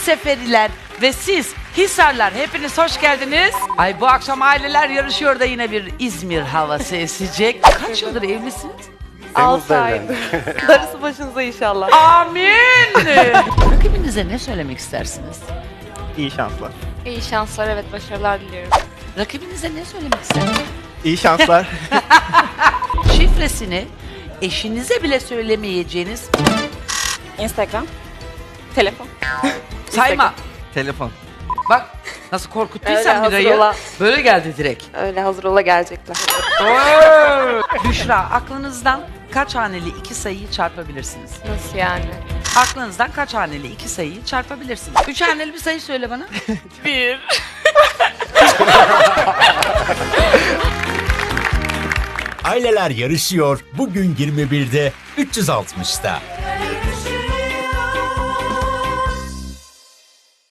Seferiler ve siz Hisarlar hepiniz hoş geldiniz. Ay bu akşam aileler yarışıyor da yine bir İzmir havası esecek. Kaç yıldır evlisiniz? 6 aydır. Darısı başınıza inşallah. Amin. Rakibinize ne söylemek istersiniz? İyi şanslar. İyi şanslar, evet, başarılar diliyorum. Rakibinize ne söylemek istersiniz? İyi şanslar. Şifresini eşinize bile söylemeyeceğiniz Instagram, telefon. sayma. Telefon. Bak nasıl Öyle korkuttuysam hazır Miray'ı. ola. Böyle geldi direkt. Öyle hazır ola gelecekler. Büşra, aklınızdan kaç haneli iki sayıyı çarpabilirsiniz? Nasıl yani? Aklınızdan kaç haneli iki sayıyı çarpabilirsiniz? 3 haneli bir sayı söyle bana. 1. Aileler yarışıyor. Bugün 21'de 360'da.